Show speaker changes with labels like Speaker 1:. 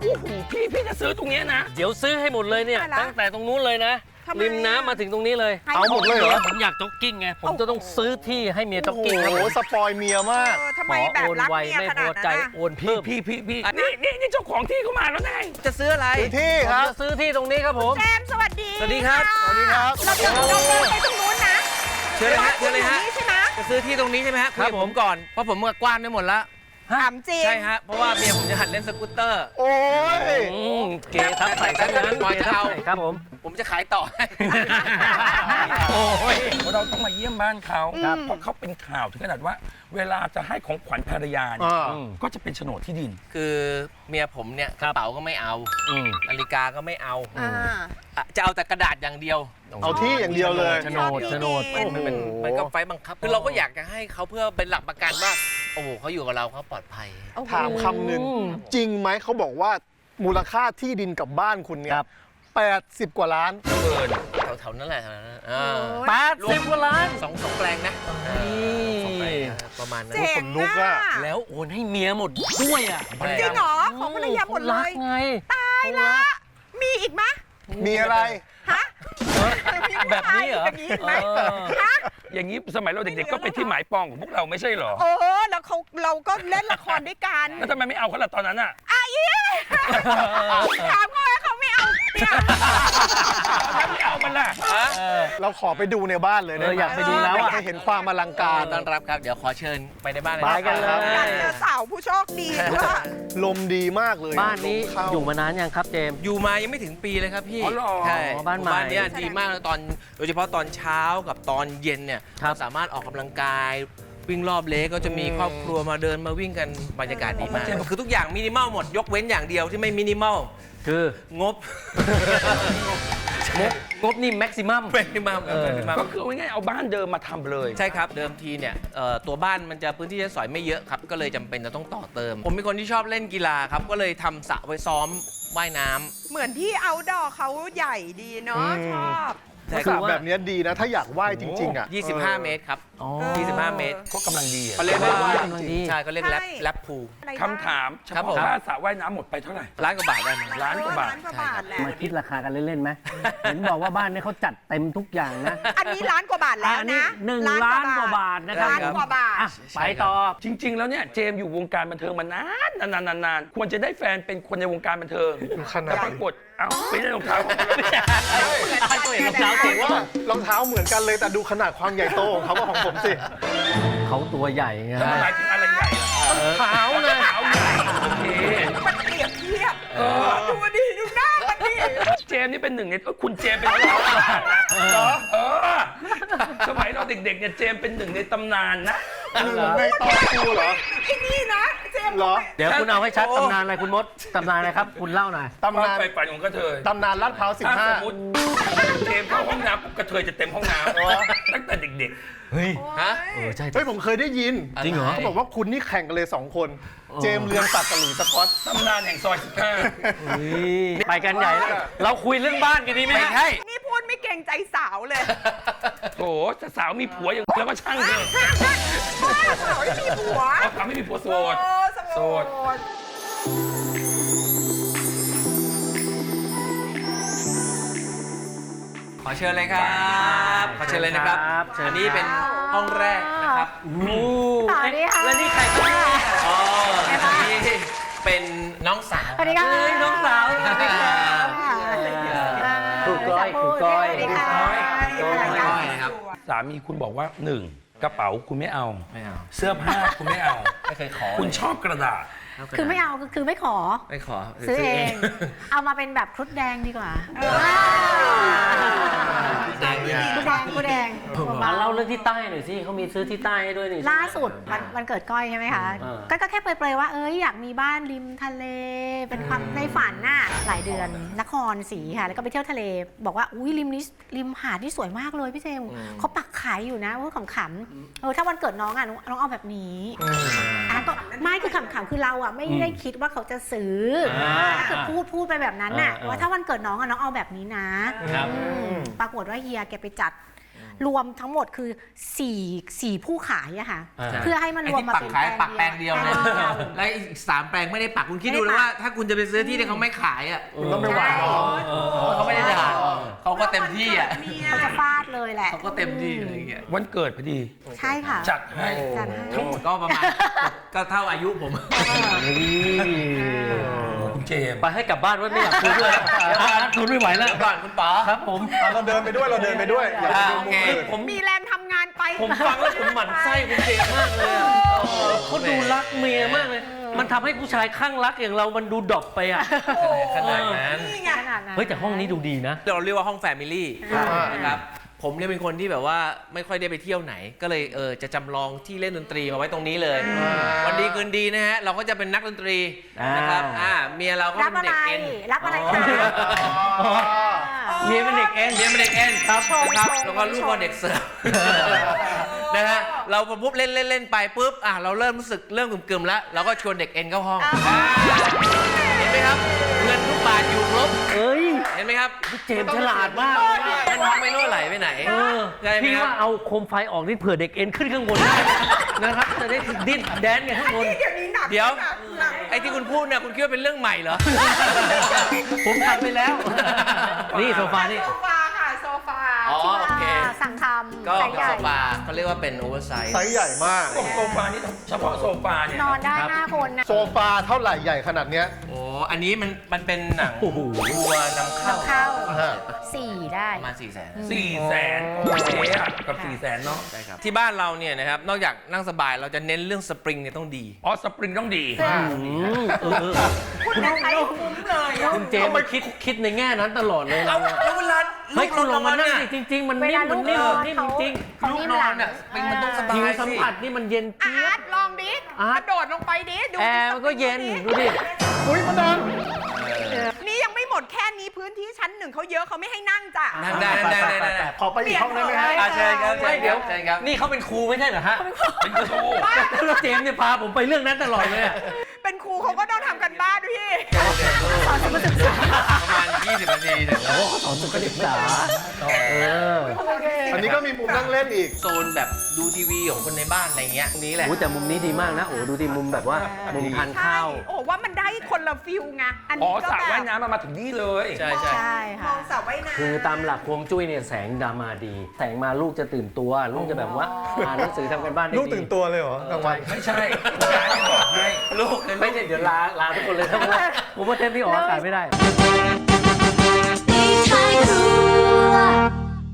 Speaker 1: โอ้โหพี่จะซื้อตรงนี้นะ
Speaker 2: เดี๋ยวซื้อให้หมดเลยเนี่ยตั้งแต่ตรงนู้นเลยนะริมน้ำมาถึงตรงนี้เลย
Speaker 3: เอาหมดเลยเหรอ
Speaker 2: ผมอยากจ็อกกิ้งไงผมจะต้องซื้อที่ให้เมียจ็อกกิ้งครับ
Speaker 3: โอ้โหสปอยเมียมาก
Speaker 4: ทำไมแบบรักเมียขนาดนั้น
Speaker 2: โอนเพิ่ม
Speaker 1: พี่นี่เจ้าของที่เขามาแล้วไง
Speaker 5: จะซื้ออะไร
Speaker 3: ซื้อที่ครับ
Speaker 2: จะซื้อที่ตรงนี้ครับผม
Speaker 4: แจมสวัสดี
Speaker 5: สวัสดีครับ
Speaker 3: สวัสดีครับ
Speaker 4: เราเดินไปตรงนู้นนะ
Speaker 5: เชิญเลยฮะเชิญเลยฮะ
Speaker 4: ใช่ไหม
Speaker 5: จะซื้อที่ตรงนี้ใช่ไหมฮะคุยกับผมก่อนเพราะผมกว้านได้หมดแล้ว
Speaker 4: ถามจริง
Speaker 5: ใช่ฮะเพราะว่าเมียผมจะหัดเล่นสกูตเตอร์
Speaker 3: โอ้ย
Speaker 2: เกทับใส่กันนั้น
Speaker 5: ก่อนจะเอา
Speaker 2: ครับผม
Speaker 5: ผมจะขายต่อให้
Speaker 1: โอ้ยเราต้องมาเยี่ยมบ้านเขาเพราะเขาเป็นข่าวถึงขนาดว่า เวลาจะให้ของขวัญภรรยาเนี่ยก็จะเป็นโฉนดที่ดิน
Speaker 5: คือเมียผมเนี่ยกระเป๋าก็ไม่เอานาฬิกาก็ไม่เอาจะเอาแต่กระดาษอย่างเดียว
Speaker 3: เอาที่อย่างเดียวเลย
Speaker 2: โฉนด
Speaker 5: มันก็ไฟบังคับคือเราก็อยากจะให้เขาเพื่อเป็นหลักประกันว่าโอ้โหเขาอยู่กับเราเขาปลอดภัย
Speaker 3: ถามคำหนึ่งจริงไหมเขาบอกว่ามูลค่าที่ดินกับบ้านคุณเนี่ย80 กว่าล้าน
Speaker 1: เกิน
Speaker 5: แถวๆนั้นแหละแถวนั้น
Speaker 2: 80 กว่าล้าน
Speaker 5: สองแปลงนะประมาณนั้น
Speaker 4: เจ๋ง
Speaker 3: ลุกอะ
Speaker 2: แล้วโอนให้เมียหมดด้วยอ่ะ
Speaker 4: จริงเหรอของภรรยาหมดเลย
Speaker 2: ไง
Speaker 4: ตายละมีอีกไหม
Speaker 3: มีอะไร
Speaker 4: ฮะ
Speaker 2: แบบนี้เหรอ
Speaker 4: อย่างนี้อีกไหมฮะ
Speaker 1: อย่างนี้สมัยเราเด็กๆก็เป็นที่หมายปองของพวกเราไม่ใช่เหรอ
Speaker 4: แล้วเราก็เล่นละครด้วยกัน
Speaker 1: แล้วทำไมไม่เอาเขาล่ะตอนนั้นอ่ะ
Speaker 4: ถามเขาว่าเขาไม่เอาเนี่ย
Speaker 1: ไม่เอามันล่ะ
Speaker 3: เราขอไปดูในบ้านเลยนะ
Speaker 2: อยากไปดูแล้วอะ
Speaker 3: ให้เห็นความอลังการ
Speaker 5: ต้อนรับครับเดี๋ยวขอเชิญไปในบ้านเลย
Speaker 2: ไปกันเลย
Speaker 4: การเจอสาวผู้โชคดีด้วย
Speaker 3: ลมดีมากเลย
Speaker 2: บ้านนี้
Speaker 3: ลมเข้า
Speaker 2: อยู่มานานยังครับเจมส์
Speaker 5: อยู่มายังไม่ถึงปีเลยครับพี่
Speaker 1: อ๋อเหรอ
Speaker 5: ใช่
Speaker 2: บ้านใหม่
Speaker 5: เนี้ยดีมากเลยโดยเฉพาะตอนเช้ากับตอนเย็นเนี่ย
Speaker 2: ครับ
Speaker 5: เราสามารถออกกำลังกายวิ่งรอบเลกก็จะมีครอบครัวมาเดินมาวิ่งกันบรรยากาศดีมากคือทุกอย่างมินิมอลหมดยกเว้นอย่างเดียวที่ไม่มินิมอล
Speaker 2: คือง
Speaker 5: บ
Speaker 2: งบนี่แม็กซิมัม
Speaker 5: เป็นมินิมอล
Speaker 1: ก็คือง่ายๆเอาบ้านเดิมมาทำเลย
Speaker 5: ใช่ครับเดิมทีเนี่ยตัวบ้านมันจะพื้นที่ใช้สอยไม่เยอะครับก็เลยจำเป็นจะต้องต่อเติม ผมเป็นคนที่ชอบเล่นกีฬาครับก็เลยทำสระไว้ซ้อมว่ายน้ำ
Speaker 4: เหมือนที่เอาดอเขาใหญ่ดีเนาะชอบ
Speaker 5: ใช่
Speaker 3: ส
Speaker 5: ค
Speaker 3: ระ
Speaker 5: รับ
Speaker 3: แบบนี้ดีนะ ถ้าอยากว่ายจริงๆอ่ะ
Speaker 5: 25 เมตรครับ 25 เมตร
Speaker 1: ก็กำลังดีอะ
Speaker 5: เขาเรียกว่า
Speaker 2: กำลังดี
Speaker 5: ใช่เขาเรียกแรปพูล
Speaker 1: คำถามเฉ
Speaker 5: ครับผ
Speaker 1: พาะ
Speaker 5: ม
Speaker 1: ค่าสระว่ายน้ำหมดไปเท่าไหร่
Speaker 5: ล้านกว่าบาทได้ไหม
Speaker 1: ล้านกว่าบาท
Speaker 4: ล้นกว่าบาทแหละ
Speaker 2: มาคิดราคากันเล่นๆไหม เห็นบอกว่าบ้านนี้เขาจัดเต็มทุกอย่างนะ
Speaker 4: อันนี้ล้านกว่าบาทแล้ว
Speaker 2: อันนี้
Speaker 4: นะ
Speaker 2: 1 ล้านกว่าบาทนะครับ
Speaker 4: ล้านกว่าบาท
Speaker 2: อ่ะไปต่อ
Speaker 1: จริง ๆ แล้วเนี่ยเจมส์อยู่วงการบันเทิงมานานควรจะได้แฟนเป็นคนในวงการบันเทิง
Speaker 3: ขนาด
Speaker 1: แต่ปรากฏเอ้าไม่ได้รองเท้า
Speaker 2: ก็เห็นรองเท้าเจ๋งว่าร
Speaker 3: องเท้าเหมือนกันเลยแต่ดูขนาดความใหญ่โตของเขากับของผมสิ
Speaker 2: เขาตัวใหญ่ไง
Speaker 1: แล้วมันหมายถึงอะไรใหญ่ล่ะ
Speaker 3: เท้าเลย
Speaker 1: เท้าใหญ่โอเค
Speaker 4: มันเปรียบเทียบดูดิดูหน้ามันดิ
Speaker 1: เจมส์นี่เป็นหนึ่งในคุณเจมส์เป็นนักร้องนะสมัยเราเด็กๆเนี่ยเจมส์เป็นหนึ่งในตำนานนะ
Speaker 3: ในตอนกูเหรอ
Speaker 4: ไอ้นี่นะเจมส์
Speaker 3: เหรอ
Speaker 2: เดี๋ยวคุณเอาให้ชัดตำนานอะไรคุณมดตำนานอะไรครับ คุณเล่าหน่อย
Speaker 3: ตำนาน
Speaker 1: ไฟฝันของกระเทย
Speaker 3: ตำนานลาดพร้าว
Speaker 1: ถ้าสมมติเจมส์เข้าห้องน้ำปุ๊บกระเทยจะเต็มห้องน้ำตั้งแต่เด็ก
Speaker 2: เฮ้ย
Speaker 5: ฮะ
Speaker 2: ใช่
Speaker 3: เฮ้ยผมเคยได้ยิน
Speaker 2: จริงเหรอ
Speaker 3: เขาบอกว่าคุณนี่แข่งกันเลย 2 คน เจมส์เรืองศักดิ์กับหลุยส์สก๊อต
Speaker 1: ๆตำนานแห่งซอย15
Speaker 2: ไปกันใหญ่แล้วเราคุยเรื่องบ้านกันดีไหม
Speaker 5: ไม่ใช่
Speaker 4: นี่พูดไม่เกรงใจสาวเลย
Speaker 1: โถถ้าสาวมีผัวอย่างแล้วก็ช่างเถอะ
Speaker 4: สาวไม่มีผัว
Speaker 1: เอาสาวไม่มีผัวโสด โสด
Speaker 5: ขอเชิญเลยครับขอเชิญเลยนะครับอันนี้เป็นห้องแรกนะครับ
Speaker 6: สวัสดีค่ะ
Speaker 2: แล้วนี่ใครบ้าง
Speaker 5: อ๋ออันนี้เป็นน้องสาว
Speaker 6: สวัสดีค่ะ
Speaker 2: น้องสาวสวัสดีครับครูก้อยครูก้อย
Speaker 6: สวัสดีค่ะ
Speaker 5: ก้อยนะครับ
Speaker 1: สามีคุณบอกว่าหนึ่งกระเป๋าคุณไม่เอา
Speaker 5: ไม่เอา
Speaker 1: เสื้อผ้าคุณไม่เอา
Speaker 5: ไม่เคยขอ
Speaker 1: คุณชอบกระดาษ
Speaker 6: คือไม่เอาคือไม่ขอ
Speaker 5: ไม่ขอ
Speaker 6: ซื้อเอง เอามาเป็นแบบครุฑแดงดีกว่า
Speaker 5: แดงเลย
Speaker 6: ครุฑแดงครุฑแดง
Speaker 2: มาเล่าเรื่องที่ใต้หน่อยสิเขามีซื้อที่ใต้ให้ด้วยนี่
Speaker 6: ล่าสุดวันเกิดก้อยใช่ไหมคะ ก็แค่เปรยๆว่าอยากมีบ้านริมทะเล เป็นความในฝันน่ะหลายเดือนนครศรีค่ะแล้วก็ไปเที่ยวทะเล บอกว่าอุ้ยริมนี้ริมหาดที่สวยมากเลยพี่เจมส์เขาปักขายอยู่นะพูดขำๆถ้าวันเกิดน้องน้องเอาแบบนี้ก็ไม่คือขำๆคือเราไม่ได้คิดว่าเขาจะซื้อคือพูดไปแบบนั้นน่ะว่าถ้าวันเกิดน้องน้องเอาแบบนี้นะปรากฏว่าเฮียแกไปจัดรวมทั้งหมดคือ4ผู้ขายอะค่ะ
Speaker 2: อ่า
Speaker 6: เพื่อให้มัน
Speaker 5: ไอ้
Speaker 6: รวม
Speaker 5: ที่
Speaker 6: มา
Speaker 5: ปัก
Speaker 6: เป็น
Speaker 5: ขายปักแปลงเดียวเนี่ย
Speaker 6: แปลงเดียว
Speaker 5: แล้วอีก3แปลงไม่ได้ปักคุณคิดดู
Speaker 6: ไม่
Speaker 5: เล
Speaker 6: ได้
Speaker 5: ย
Speaker 6: ปัก
Speaker 5: ว่าถ้าคุณจะไปซื้อที่ที่เขาไม่ขายอ่ะ
Speaker 3: คุณต้องไปหวาน
Speaker 6: ใช่
Speaker 5: เขาไม่ได้ด่าเขาก็เต็มที่อ่ะ
Speaker 6: เขาจะฟาดเลยแหละ
Speaker 5: เขาก็เต็มที่อะไรอย่างเงี้ย
Speaker 1: วันเกิดพอดี
Speaker 6: ใช่ค่ะ
Speaker 1: จัดให้
Speaker 6: จัดให้
Speaker 5: ทั้งหมดก็ประมาณก็เท่าอายุผม
Speaker 1: คุณเจมส์
Speaker 2: ไปให้กลับบ้านไว้ไม่อยากคุยด้วยทนไม่ไหวแล้ว
Speaker 5: ก่อนคุณป๋อ
Speaker 2: ครับผม
Speaker 3: เราเดินไปด้วยอยากไปดู
Speaker 5: โอ
Speaker 3: มุ
Speaker 5: เค
Speaker 3: มอื่น
Speaker 2: ผม
Speaker 4: มีแรงทำงานไป
Speaker 2: ผมฟังแล้วผมหมั่นไส้คุณเจมส์มากเลยอะเขาดูรักเมียมากเลย มันทำให้ผู้ชายข้างรักอย่างเรามันดูดรอปไปอ่ะ
Speaker 5: ขนาดนั้น
Speaker 4: นี่ไง
Speaker 6: ขนาดนั้น
Speaker 2: เฮ้ยแต่ห้องนี้ดูดีนะ
Speaker 5: เราเรียกว่าห้องแฟมิลี่นะครับผมเนี่ยเป็นคนที่แบบว่าไม่ค่อยได้ไปเที่ยวไหน ก็เลยจะจำลองที่เล่นดนตรีมาไว้ตรงนี้เลย วันดีคืนดีนะฮะเราก็จะเป็นนักดนตรีนะครับเมียเราก็
Speaker 6: รับ
Speaker 5: เป็น
Speaker 6: อะ
Speaker 5: เด็
Speaker 6: ไร
Speaker 5: กเอ็น
Speaker 6: รับอะไรคะ
Speaker 2: เมียเป็นเด็กเอ็น
Speaker 5: เมียเป็นเด็กเอ็นครับ
Speaker 6: โชว์
Speaker 5: นะครับ
Speaker 6: โชว์
Speaker 5: แล้วก็ลูกก็เด็กเสิร์ฟนะฮะเราพอปุ๊บเล่นไปปุ๊บเราเริ่มรู้สึกเริ่มกึ่มๆแล้วเราก็ชวนเด็กเอ็นเข้าห้องเห็นไหมครับเงินทุกบาทอยู่ครบ
Speaker 2: เอ้ย
Speaker 5: เห็นไหมครับ
Speaker 2: เจมส์ฉลาดมากเลยอะ
Speaker 5: มันไม่รั่วไหลไปไหน ใช่ไหม
Speaker 2: พี่
Speaker 5: ครับ
Speaker 2: ว่าเอาโคมไฟออกนี่เผื่อเด็กเอ็นขึ้นข้างบนได้นะครับจะได้ดิ้นแดนกันข้างบน
Speaker 4: เดี๋ยวนี้หนัก
Speaker 5: เดี๋ยว
Speaker 4: หนัก
Speaker 5: ไอ้ที่คุณพูดเนี่ยคุณคิดว่าเป็นเรื่องใหม่เหรอ
Speaker 2: ผมทำไปแล้ว นี่โซฟานี่
Speaker 4: โซฟาค่ะโซฟา
Speaker 5: อ๋อโอเค
Speaker 6: สั่งทำ
Speaker 5: ก็
Speaker 6: ไซส์ใหญ่
Speaker 5: โซฟาเขาเรียกว่าเป็นโอเวอร์ไซส์
Speaker 3: ไซส์ใหญ่มาก
Speaker 1: โซฟานี่เฉพาะโซฟาเนี่ย
Speaker 6: นอนได้5 คนนะ
Speaker 3: โซฟาเท่าไหร่ใหญ่ขนาดเนี้ย
Speaker 5: โอ้อันนี้มันเป็นหนัง
Speaker 2: โอ้โห
Speaker 5: วัวนำเข้า
Speaker 6: เข้า
Speaker 3: อ่า
Speaker 6: 4 ได้
Speaker 5: ประมาณ400,000
Speaker 1: 400,000โอเคอะกับ400,000เนาะ
Speaker 5: ใช่ครับที่บ้านเราเนี่ยนะครับนอกจากนั่งสบายเราจะเน้นเรื่องสปริงเนี่ยต้องดี
Speaker 1: อ๋อสปริงต้องดี
Speaker 4: คุณจะใช้คุ้มเลยอะ
Speaker 2: คุณเจมส์คิดในแง่นั้นตลอดเลย
Speaker 5: เอา
Speaker 2: เราอะ
Speaker 5: แล้วเวลา
Speaker 2: เฮ้ยคุณลองมานั่ง
Speaker 5: เนี่ย
Speaker 2: ดิจริง ๆ มัน
Speaker 6: เว
Speaker 2: นิ่
Speaker 6: ลาม ลู
Speaker 2: มัน
Speaker 6: ก
Speaker 2: นิ่
Speaker 6: น
Speaker 2: ม
Speaker 6: อน
Speaker 2: นิ่ม
Speaker 6: เขา
Speaker 2: จริง
Speaker 6: เขา
Speaker 5: ลูก
Speaker 6: นิ่ม
Speaker 5: นอ
Speaker 6: หลั
Speaker 5: น
Speaker 6: ง
Speaker 5: เนี่ยมันต้องสบา
Speaker 2: ผิวย
Speaker 5: สิ
Speaker 2: สัมผัสนี่มันเย็น
Speaker 4: อา
Speaker 2: เจี๊ย
Speaker 4: ร์
Speaker 2: บ
Speaker 4: ตลองดิ
Speaker 2: อาร์
Speaker 4: ก
Speaker 2: ต
Speaker 4: ระโดดลงไปดิดู
Speaker 2: แอร์มันก็เย็นดูดิ
Speaker 3: อุ้ยมาดัง
Speaker 4: นี่ยังไม่หมดแค่นี้พื้นที่ชั้น 1เขาเยอะเขาไม่ให้นั่งจ้ะ
Speaker 5: นั่งได้ได้
Speaker 3: ขอไปอีกห้องได้ไหมฮะ
Speaker 5: เชิญครับ
Speaker 2: ไม่เดี๋ยว
Speaker 5: เชิญครับ
Speaker 2: นี่เขาเป็นครูไม่ใช่เหรอฮะ
Speaker 1: เป็นครู
Speaker 2: แล้วเจมส์เนี่ยพาผมไปเรื่องนั้นตลอดเลยอะ
Speaker 4: เป็นครูเขาก็ต้องทำกันบ้านด้วยพี่
Speaker 5: ประมาณ20 นาทีเนี่ย
Speaker 2: สอนสุขศึกษา
Speaker 3: อันนี้ก็มีมุมนั่งเล่นอีก
Speaker 5: โซนแบบดูทีวีของคนในบ้านอะไรเงี้ยตรงนี้แหละ
Speaker 2: โอ้แต่มุมนี้ดีมากนะ โอ้ดูที่มุมแบบว่ามุมทาน
Speaker 4: ใช่
Speaker 2: ข้าว
Speaker 4: โอ้ว่ามันได้คนละฟิลไง อัน
Speaker 1: อ๋อ
Speaker 4: นี้ก็
Speaker 1: สระ
Speaker 4: แบบ
Speaker 1: ว่ายน้ำมันมาถึงนี่เลย
Speaker 5: ใช่
Speaker 6: ใช่
Speaker 4: ม
Speaker 6: ค่ะ
Speaker 4: องสระว่ายน้ำ
Speaker 2: คือตามหลักฮวงจุ้ยเนี่ยแสงดามาดี แสงมาลูกจะตื่นตัว ลูกจะแบบว่าอ่านหนังสือทำกันบ้านได้ดี
Speaker 3: ลูกตื่นตัวเลยเหรอกลางวัน
Speaker 1: ไม่ใช่ยายบอกให้
Speaker 5: ลูก
Speaker 2: ไม่ใช่เดี๋ยวลาทุกคนเลยครับผมว่าเทปนี้ออกอากาศไม่ได้
Speaker 7: ในท้ายครัว